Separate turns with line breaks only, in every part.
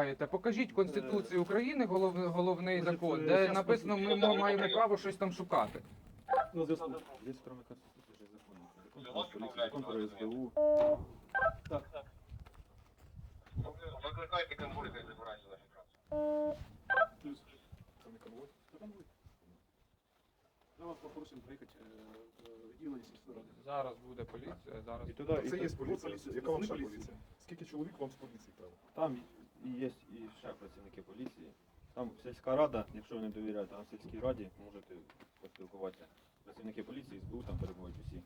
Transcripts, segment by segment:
вимагаєте? Покажіть Конституцію України, головний закон, де написано, ми маємо право щось там шукати.
На зв'язку. Є кроме Конституції, же закони. Закон про СБУ. Так.
Викликайте конвой, хай забирайте наші транспорт.
Плюс. Це не конвой? Це конвой. Я вас попросимо приїхати в відділення сільської ради.
Зараз буде поліція, зараз...
І туди,
Це
і
є
там-
поліція.
поліція.
Яка вам ще
Поліція.
поліція? Скільки чоловік вам з поліції треба?
Там і є і ще працівники поліції. Там сільська рада, якщо ви не довіряєте, там в сільській раді можете поспілкуватися. Працівники поліції, СБУ там перебувають усі.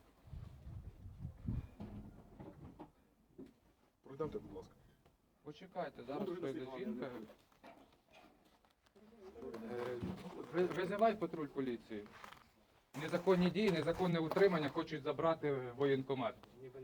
Пройдемте, будь ласка.
Почекайте, зараз прийде жінка. Визивай патруль поліції. Незаконні дії, незаконне утримання хочуть забрати воєнкомат.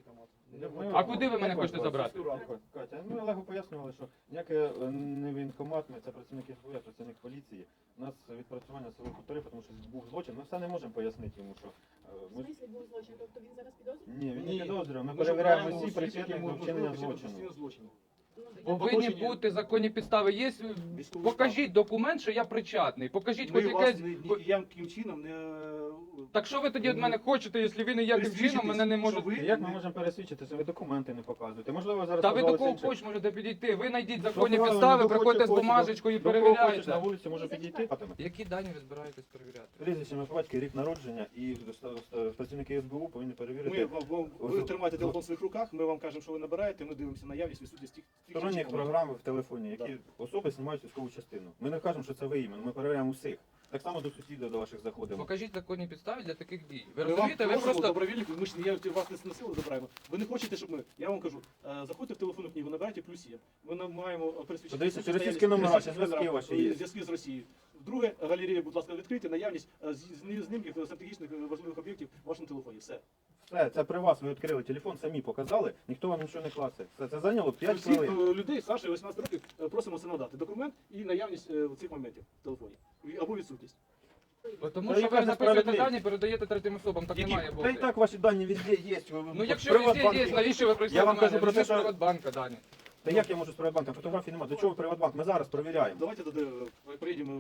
А куди ви мене хочете забрати?
Катя, ми Олегу пояснювали, що ніяке не воєнкомат, це працівники СБУ, а працівник поліції. У нас відпрацювання силових хуторів, тому що був злочин. Ми все не можемо пояснити йому, що...
В смислі був злочин? Тобто він зараз підозрює?
Ні, він не
Ні.
підозрює. Ми
Ми
перевіряємо
шукаємо
всі
осіб,
причетних
які
до
можуть
вчинення
вчинити
злочину.
злочину.
Повинні бути законні підстави. Є, покажіть документ, що я причетний. Покажіть хоч
Ми вас
якесь...
ніяким чином не...
Так що ви тоді від мене хочете, якщо ви ніяким чином мене не можете...
що ви-
Як ми можемо пересвідчити, що ви документи не показуєте? Можливо, зараз
Та ви до
подали
кого
інших.
хоч можете підійти, ви знайдіть законні
Правильно,
підстави,
до кого
приходьте з
хочете,
бумажечкою і
до кого хочеш на
перевіряйте.
вулиці може підійти.
Які дані ви збираєтесь перевіряти?
Прізвище, ім'я, по батькові, рік народження і працівники СБУ повинні перевірити.
Ви тримаєте телефон в своїх руках, ми вам кажемо, що ви набираєте, ми дивимося наявність, відсутність тих
Сторонні
речей.
програми в телефоні, які особи знімають військову частину. Ми не кажемо, що це ви іменно, ми перевіряємо усіх. Так само до сусідів, до ваших заходимо.
Покажіть законні підстави для таких дій. Ви
Ми вам
розумієте, ви
просимо
просто...
добровільник, ми ж вас не на силу забираємо. Ви не хочете, щоб ми, я вам кажу, заходьте в телефонну книгу, набирайте плюс є. Ми маємо пересвідчити.
Подивіться, чи російські номера, чи зв'язки ваші є.
Зв'язки з Росією. Друге, галерея, будь ласка, відкрийте наявність знімків стратегічних важливих об'єктів в вашому телефоні. Все.
Все, це при вас, ви відкрили телефон, самі показали, ніхто вам нічого не клацає. Це зайняло 5
Всіх
хвилин.
людей старше 18 років просимо це надати. Документ і наявність цих моментів в телефоні. Або відсутність.
Тому
Та
що
яка
ви
це
записуєте
справедливість?
дані, передаєте третім особам, так не має
Та
бути.
і так ваші дані везде є.
Ну якщо везде є, навіщо ви прийшли
Я
до
вам
мене?
кажу про те,
Візьміть з
що-
Приватбанка дані.
Та як я можу з Приватбанком? Фотографій немає. До чого Приватбанк? Ми зараз перевіряємо.
Давайте тоді приїдемо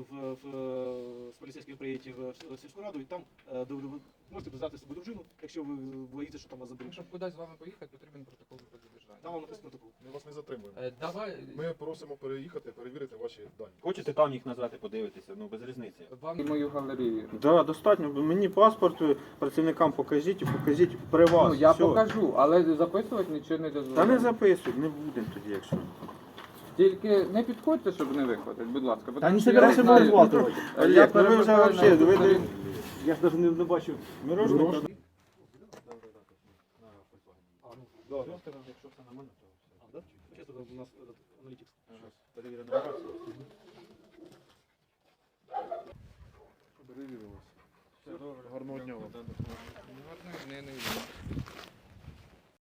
з поліцейських приїдете в сільську раду і там ви можете взяти з собою дружину, якщо ви боїтеся, що там вас заберуть.
Щоб кудись з вами поїхати, потрібен протокол про
Там
задержання.
вам написано протокол.
Ми вас не затримуємо.
Давай,
Ми просимо переїхати, перевірити ваші дані.
Хочете там їх назвати, подивитися, ну без різниці.
вам мою галерею.
Да, достатньо. Мені паспорт працівникам покажіть і покажіть при вас.
Ну, я
Все.
покажу, але записувати нічого не
Та не
дозволяю.
записують, не будемо тоді, якщо.
Тільки не підходьте, щоб не виходити, будь ласка.
Та
тому
не
що я
собирайся
знаю-
виплатувати.
Я
Олег, ну ви вже
перепитаю
вообще,
на
ви
сторін.
Я ж навіть не бачив.
Мирожного.
Мирожного.
Да, якщо все нормально, то все.
Да? Сейчас у нас аналітик.
Перевірено раз.
Перевірили вас. Все, добре, гарного дня вам.
Гарно, не, не.